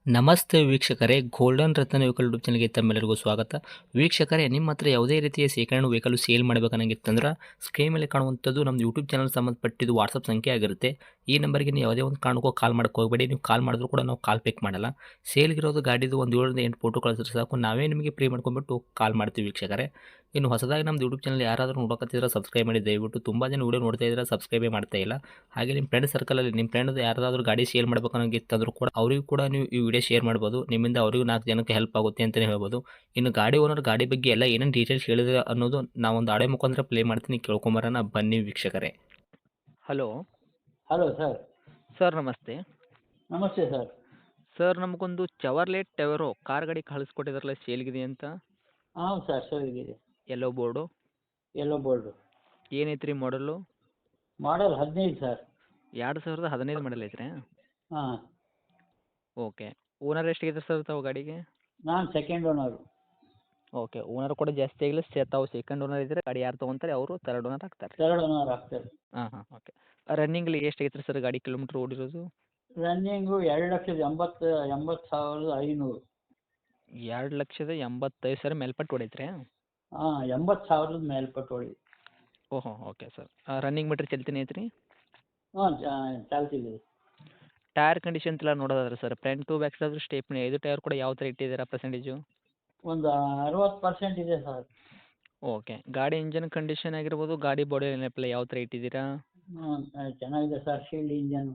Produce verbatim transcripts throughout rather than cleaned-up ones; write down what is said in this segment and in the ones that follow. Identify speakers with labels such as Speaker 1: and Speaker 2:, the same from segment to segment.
Speaker 1: ನಮಸ್ತೆ ವೀಕ್ಷಕರೇ, ಗೋಲ್ಡನ್ ರತ್ನ vehicle YouTube ಚಾನಲ್ಗೆ ತಮ್ಮೆಲ್ಲರಿಗೂ ಸ್ವಾಗತ. ವೀಕ್ಷಕರೇ, ನಿಮ್ಮ ಹತ್ರ ಯಾವುದೇ ರೀತಿಯ ಶೇಖರಣೆ ವೆಹಿಕಲ್ ಸೇಲ್ ಮಾಡಬೇಕನ್ನಂಗಿತ್ತಂದ್ರೆ ಸ್ಕ್ರೀನ್ ಮೇಲೆ ಕಾಣುವಂಥದ್ದು ನಮ್ಮ ಯೂಟ್ಯೂಬ್ ಚಾನಲ್ ಸಂಬಂಧಪಟ್ಟಿದ್ದು ವಾಟ್ಸಪ್ ಸಂಖ್ಯೆ ಆಗಿರುತ್ತೆ. ಈ ನಂಬರ್ಗೆ ನೀವು ಯಾವುದೇ ಒಂದು ಕಾರಣಕ್ಕೂ ಕಾಲ್ ಮಾಡಕ್ಕೆ ಹೋಗಬೇಡಿ. ನೀವು ಕಾಲ್ ಮಾಡಿದ್ರು ಕೂಡ ನಾವು ಕಾಲ್ ಪಿಕ್ ಮಾಡಲ್ಲ. ಸೇಲ್ಗಿರೋದು ಗಾಡಿದು ಒಂದು ಏಳರಿಂದ ಎಂಟು ಫೋಟೋ ಕಳಿಸಿದ್ರೆ ಸಾಕು, ನಾವೇ ನಿಮಗೆ ಪ್ರೀ ಮಾಡ್ಕೊಂಡ್ಬಿಟ್ಟು ಕಾಲ್ ಮಾಡ್ತೀವಿ ವೀಕ್ಷಕರೇ. ಇನ್ನು ಹೊಸದಾಗಿ ನಮ್ಮದು ಯೂಟ್ಯೂಬ್ ಚಾನಲ್ ಯಾರಾದರೂ ನೋಡೋಕತ್ತಿದ್ರೆ ಸಬ್ಸ್ಕ್ರೈಬ್ ಮಾಡಿ ದಯವಿಟ್ಟು. ತುಂಬ ಜನ ವೀಡಿಯೋ ನೋಡ್ತಾ ಇದ್ದಾರೆ, ಸಬ್ಸ್ಕ್ರೈಬೇ ಮಾಡ್ತಾ ಇಲ್ಲ. ಹಾಗೆ ನಿಮ್ಮ ಫ್ರೆಂಡ್ ಸರ್ಕಲಲ್ಲಿ ನಿಮ್ಮ ಫ್ರೆಂಡ್ ಯಾರಾದರೂ ಗಾಡಿ ಸೇಲ್ ಮಾಡಬೇಕನ್ನೋಂಗಿತ್ತಂದ್ರೂ ಕೂಡ ಅವರಿಗೂ ಕೂಡ ನೀವು ಈ ವಿಡಿಯೋ ಶೇರ್ ಮಾಡ್ಬೋದು. ನಿಮ್ಮಿಂದ ಅವರಿಗೂ ನಾಲ್ಕು ಜನಕ್ಕೆ ಹೆಲ್ಪ್ ಆಗುತ್ತೆ ಅಂತಲೇ ಹೇಳ್ಬೋದು. ಇನ್ನು ಗಾಡಿ ಓನರ್ ಗಾಡಿ ಬಗ್ಗೆ ಎಲ್ಲ ಏನೇನು ಡೀಟೇಲ್ಸ್ ಹೇಳಿದ್ರೆ ಅನ್ನೋದು ನಾವೊಂದು ಆಡೆ ಮುಖಾಂತರ ಪ್ಲೇ ಮಾಡ್ತೀನಿ, ಕೇಳ್ಕೊಂಬರೋಣ ಬನ್ನಿ ವೀಕ್ಷಕರೇ. Hello
Speaker 2: hello sir.
Speaker 1: ಸರ್, ನಮಸ್ತೆ.
Speaker 2: ನಮಸ್ತೆ ಸರ್.
Speaker 1: ಸರ್, ನಮಗೊಂದು ಚವರ್ಲೆಟ್ ಟೆವರೋ ಕಾರ್ ಗಾಡಿ ಕಳಿಸ್ಕೊಟ್ಟಿದ್ರಲ್ಲ, ಸೇಲ್ಗಿದೆ ಅಂತ.
Speaker 2: ಹಾಂ ಸರ್, ಸರಿಗಿದೆ.
Speaker 1: Yellow board
Speaker 2: yellow board.
Speaker 1: ಏನೈತ್ರಿ ಮಾಡಲು?
Speaker 2: ಮಾಡಲ್ ಹದಿನೈದು ಸರ್.
Speaker 1: ಎರಡು ಸಾವಿರದ ಹದಿನೈದು ಮಾಡಲ್ ಐತ್ರಿ?
Speaker 2: ಹಾಂ.
Speaker 1: ಓಕೆ. ಓನರ್ ಎಷ್ಟಿದೆ ಸರ್ ತಾವು ಗಾಡಿಗೆ?
Speaker 2: ನಾನು ಸೆಕೆಂಡ್ ಓನರು.
Speaker 1: ಓಕೆ. ಓನರ್ ಕೂಡ ಜಾಸ್ತಿ ಆಗಿಲ್ಲ, ಸೇ ತಾವು ಸೆಕೆಂಡ್ ಓನರ್ ಇದ್ದರೆ ಗಾಡಿ ಯಾರು ತೊಗೊಂತಾರೆ ಅವರು ತರ್ಡ್ ಓನರ್ ಆಗ್ತಾರೆ.
Speaker 2: ಥರ್ಡ್ ಓನರ್ ಆಗ್ತಾರೆ.
Speaker 1: ಹಾಂ ಹಾಂ ಓಕೆ. ರನ್ನಿಂಗಲ್ಲಿ ಎಷ್ಟು ಐತ್ರಿ ಸರ್ ಗಾಡಿ ಕಿಲೋಮೀಟ್ರ್ ಓಡಿರೋದು?
Speaker 2: ರನ್ನಿಂಗು ಎರಡು ಲಕ್ಷದ ಎಂಬತ್ತು ಎಂಬತ್ತು ಸಾವಿರದ ಐನೂರು.
Speaker 1: ಎರಡು ಲಕ್ಷದ ಎಂಬತ್ತೈದು ಸಾವಿರ ಮೇಲ್ಪಟ್ಟು ಹೊಡೈತ್ರಿ?
Speaker 2: ಹಾಂ, ಎಂಬತ್ತು ಸಾವಿರದ ಮೇಲ್ಪಟ್ಟು ಹೊಡಿ.
Speaker 1: ಓಹೋ, ಓಕೆ ಸರ್. ರನ್ನಿಂಗ್ ಮೀಟ್ರ್ ಚಲ್ತಿನೇ ಐತ್ರಿ?
Speaker 2: ಹಾಂ, ಚಾಲ್ತಿದೆ.
Speaker 1: ಟೈರ್ ಕಂಡೀಷನ್ ಎಲ್ಲ ನೋಡೋದಾದ್ರೆ sir, front to back side stepney ಐದು ಟೈರ್ ಕೂಡ ಯಾವ ಥರ ಇಟ್ಟಿದ್ದೀರಾ ಪರ್ಸೆಂಟೇಜು?
Speaker 2: ಒಂದು ಅರವತ್ತು ಪರ್ಸೆಂಟ್ ಇದೆ ಸರ್.
Speaker 1: ಓಕೆ. ಗಾಡಿ ಇಂಜನ್ ಕಂಡೀಷನ್ ಆಗಿರ್ಬೋದು, ಗಾಡಿ ಬಾಡಿ ನೆನಪೆಲ್ಲ ಯಾವ ಥರ ಇಟ್ಟಿದ್ದೀರಾ?
Speaker 2: ಹ್ಞೂ, ಚೆನ್ನಾಗಿದೆ ಸರ್. Shield engine.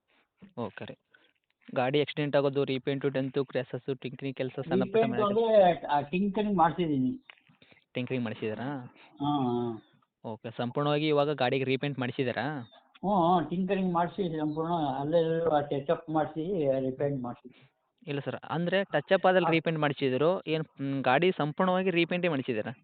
Speaker 1: ಓಕೆ ರೀ. ಗಾಡಿ ಆಕ್ಸಿಡೆಂಟ್ ಆಗೋದು, ರೀಪೇಂಟು, ಡೆಂತು, ಕ್ರ್ಯಾಸಸ್ಸು, ಟಿಂಕ್ರಿಂಗ್ ಕೆಲಸ ಸಣ್ಣ ಪುಟ್ಟ
Speaker 2: ರೀಪೇಂಟ್ ಅಂದರೆ ಟಿಂಕರಿಂಗ್ ಮಾಡಿಸಿದ್ದೀನಿ.
Speaker 1: ಟಿಂಕ್ರಿಂಗ್ ಮಾಡಿಸಿದ್ದೀರಾ?
Speaker 2: ಹಾಂ ಹಾಂ.
Speaker 1: ಓಕೆ. ಸಂಪೂರ್ಣವಾಗಿ ಇವಾಗ ಗಾಡಿಗೆ ರೀಪೇಂಟ್ ಮಾಡಿಸಿದ್ದೀರಾ?
Speaker 2: ಹ್ಞೂ ಹ್ಞೂ, ಟಿಂಕರಿಂಗ್ ಮಾಡಿಸಿ ಸಂಪೂರ್ಣ ಅಲ್ಲೇ ಟಚಪ್ ಮಾಡಿಸಿ ರಿಪೇಂಟ್ ಮಾಡಿಸಿ.
Speaker 1: ಇಲ್ಲ ಸರ್, ಅಂದರೆ ಟಚಪ್ ಆದಲ್ಲಿ ರೀಪೇಂಟ್ ಮಾಡಿಸಿದ್ರು ಏನು ಗಾಡಿ ಸಂಪೂರ್ಣವಾಗಿ ರೀಪೇಂಟೇ ಮಾಡಿಸಿದ್ದೀರಾ?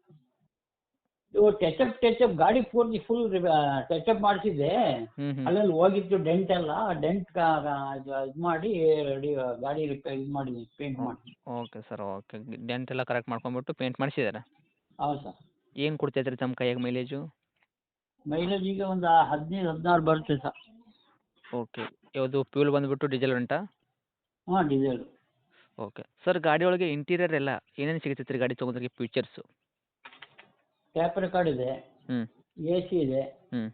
Speaker 2: ಇವು ಟಚಪ್ ಟಚಪ್ ಗಾಡಿ ಪೂರ್ತಿ ಫುಲ್ ಟಚಪ್ ಮಾಡಿಸಿದ್ದೆ.
Speaker 1: ಹ್ಞೂ ಹ್ಞೂ
Speaker 2: ಅಲ್ಲಲ್ಲಿ ಹೋಗಿತ್ತು ಡೆಂಟ್ ಎಲ್ಲ, ಡೆಂಟ್ ಇದು ಮಾಡಿ ರೆಡಿ ಗಾಡಿ ರಿಪೇರ್ ಇದು ಮಾಡಿ ಪೇಂಟ್ ಮಾಡಿ.
Speaker 1: Okay sir, okay. ಡೆಂಟ್ ಎಲ್ಲ ಕರೆಕ್ಟ್ ಮಾಡ್ಕೊಂಬಿಟ್ಟು ಪೇಂಟ್ ಮಾಡಿಸಿದ್ದಾರೆ.
Speaker 2: ಹೌದು ಸರ್.
Speaker 1: ಏನು ಕೊಡ್ತೈತೆ ರೀ ತಮ್ಮ ಕೈಯಾಗ ಮೈಲೇಜು?
Speaker 2: ಮೈಲೇಜ್ ಈಗ ಒಂದು ಹದಿನೈದು ಹದಿನಾರು ಬರುತ್ತೆ ಸರ್.
Speaker 1: ಓಕೆ. ಯಾವುದು ಫ್ಯೂಲ್ ಬಂದುಬಿಟ್ಟು ಡೀಸೆಲ್ ಉಂಟಾ?
Speaker 2: ಹಾಂ, ಡೀಸೆಲ್.
Speaker 1: ಓಕೆ. ಸರ್, ಗಾಡಿ ಒಳಗೆ ಇಂಟೀರಿಯರ್ ಎಲ್ಲ ಏನೇನು ಸಿಗ್ತೈತೆ ರೀ ಗಾಡಿ ತೊಗೊಂಡ್ರಿಗೆ ಫೀಚರ್ಸು?
Speaker 2: ಟ್ಯಾಪ್ ರೆಕಾರ್ಡ್ ಇದೆ,
Speaker 1: ಹ್ಞೂ
Speaker 2: ಎ ಸಿ ಇದೆ,
Speaker 1: ಹ್ಞೂ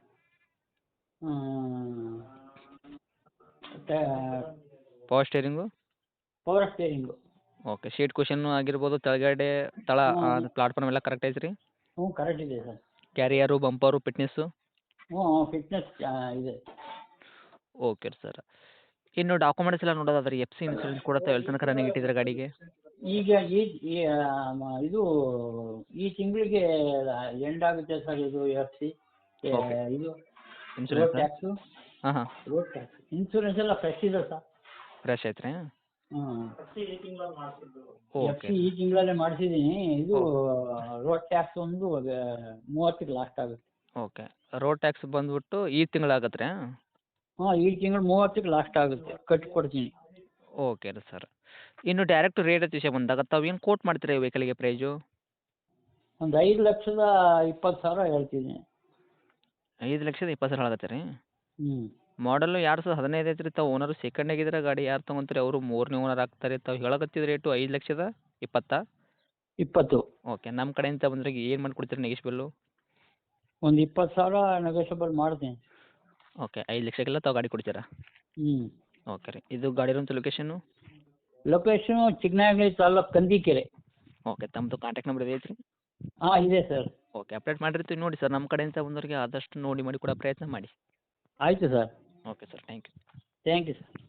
Speaker 1: power steering?
Speaker 2: Power steering.
Speaker 1: Okay. Seat cushion ಆಗಿರ್ಬೋದು, ಕೆಳಗಡೆ ತಳ
Speaker 2: ಹ್ಞೂ
Speaker 1: ಪ್ಲಾಟ್ಫಾರ್ಮ್ ಎಲ್ಲ ಕರೆಕ್ಟ್ ಐತೆ ರೀ?
Speaker 2: ಹ್ಞೂ, ಕರೆಕ್ಟ್ ಇದೆ ಸರ್.
Speaker 1: Carrier, bumper, fitness?
Speaker 2: ಹ್ಞೂ ಫಿಟ್ನೆಸ್ ಇದೆ.
Speaker 1: Okay sir. ಇನ್ನು ಡಾಕ್ಯುಮೆಂಟ್ಸ್ ಎಲ್ಲ ನೋಡೋದಾದ್ರೆ ಎಫ್ ಸಿ ಇನ್ಸೂರೆನ್ಸ್ ಕೂಡ ತಾವು ಎಲ್ಲಿ ತನಕ ರನ್ನಿಂಗ್ ಇಟ್ಟಿದ್ದೀರಾ ಗಾಡಿಗೆ?
Speaker 2: ಈಗ ಈ ಈ, ಆ, ಮ- ಇದು ಈ ತಿಂಗಳಿಗೆ ಎಂಡ್ ಆಗುತ್ತೆ ಸರ್. ಇದು ಎಫ್ ಸಿ
Speaker 1: Okay.
Speaker 2: ಇದು ರೋಡ್
Speaker 1: ಇನ್ಸೂರೆನ್ಸ್?
Speaker 2: ಟ್ಯಾಕ್ಸು.
Speaker 1: ಹಾಂ ಹಾಂ
Speaker 2: ರೋಡ್ ಟ್ಯಾಕ್ಸ್ ಇನ್ಸೂರೆನ್ಸ್ ಎಲ್ಲ ಫ್ರೆಶ್ ಇದೆ ಸರ್.
Speaker 1: ಫ್ರೆಶ್ ಐತೆ ರೀ?
Speaker 2: ಹ್ಞೂ, ಎಫ್
Speaker 1: ಓಕೆ
Speaker 2: ಸಿ ಈ ತಿಂಗಳಲ್ಲೇ ಮಾಡಿಸಿದ್ದೀನಿ. ಇದು ರೋಡ್ ಟ್ಯಾಕ್ಸ್ ಒಂದು ಅದು ಮೂವತ್ತಕ್ಕೆ ಲಾಸ್ಟ್ ಆಗುತ್ತೆ.
Speaker 1: ಓಕೆ. ರೋಡ್ ಟ್ಯಾಕ್ಸ್ ಬಂದುಬಿಟ್ಟು ಈ ತಿಂಗಳಾಗತ್ತೆ ರೀ?
Speaker 2: ಹಾಂ, ಈ ತಿಂಗಳು ಮೂವತ್ತಕ್ಕೆ ಲಾಸ್ಟ್ ಆಗುತ್ತೆ, ಕಟ್ಟಿಕೊಡ್ತೀನಿ.
Speaker 1: ಓಕೆ ರೀ ಸರ್. ಇನ್ನು ಡೈರೆಕ್ಟ್ ರೇಟ್ ವಿಷಯ ಬಂದಾಗ ತಾವು ಏನು ಕೋಟ್ ಮಾಡ್ತೀರಾ ಈ ವೆಹಿಕಲ್ಗೆ ಪ್ರೈಜು?
Speaker 2: ಒಂದು ಐದು ಲಕ್ಷದ ಇಪ್ಪತ್ತು ಸಾವಿರ ಹೇಳ್ತೀನಿ.
Speaker 1: ಐದು ಲಕ್ಷದ ಇಪ್ಪತ್ತು ಸಾವಿರ ಆಗತ್ತೆ ರೀ?
Speaker 2: ಹ್ಞೂ.
Speaker 1: ಮಾಡಲು ಎರಡು ಸಾವಿರದ ಹದಿನೈದು ಐತೆ ರೀ. ತಾವು ಓನರು ಸೆಕೆಂಡ್ ಆಗಿದ್ರೆ ಗಾಡಿ ಯಾರು ತೊಗೊಂತಾರೆ ಅವರು ಮೂರನೇ ಓನರ್ ಆಗ್ತಾರೆ. ತಾವು ಹೇಳಕತ್ತಿದ ರೇಟು ಐದು ಲಕ್ಷದ ಇಪ್ಪತ್ತಾ?
Speaker 2: ಇಪ್ಪತ್ತು.
Speaker 1: ಓಕೆ. ನಮ್ಮ ಕಡೆಯಿಂದ ಬಂದ್ರೆ ಏನು ಮಾಡಿಕೊಡ್ತೀರಿ ನೆಗೆಶ್ಬಲ್ಲು?
Speaker 2: ಒಂದು ಇಪ್ಪತ್ತು ಸಾವಿರ ನೆಗೋಷಿಯಬಲ್ ಮಾಡ್ತೀನಿ.
Speaker 1: ಓಕೆ. ಐದು ಲಕ್ಷಕ್ಕೆಲ್ಲ ತಾವು ಗಾಡಿ ಕೊಡ್ತೀರಾ?
Speaker 2: ಹ್ಞೂ.
Speaker 1: ಓಕೆ ರೀ. ಇದು ಗಾಡಿ ಇರೋಂಥ location?
Speaker 2: Location Chikkanagali taluk Kandikere.
Speaker 1: Okay. ತಮ್ಮದು ಕಾಂಟ್ಯಾಕ್ಟ್ ನಂಬರ್ ಐತೆ ರೀ?
Speaker 2: ಹಾಂ, ಇದೆ ಸರ್.
Speaker 1: ಓಕೆ. ಅಪ್ಡೇಟ್ ಮಾಡಿರ್ತೀವಿ ನೋಡಿ ಸರ್. ನಮ್ಮ ಕಡೆಯಿಂದ ಬಂದವರಿಗೆ ಆದಷ್ಟು ನೋಡಿ ಮಾಡಿ ಕೊಡೋ ಪ್ರಯತ್ನ ಮಾಡಿ.
Speaker 2: ಆಯಿತು sir.
Speaker 1: Okay sir. Thank you.
Speaker 2: Thank you sir.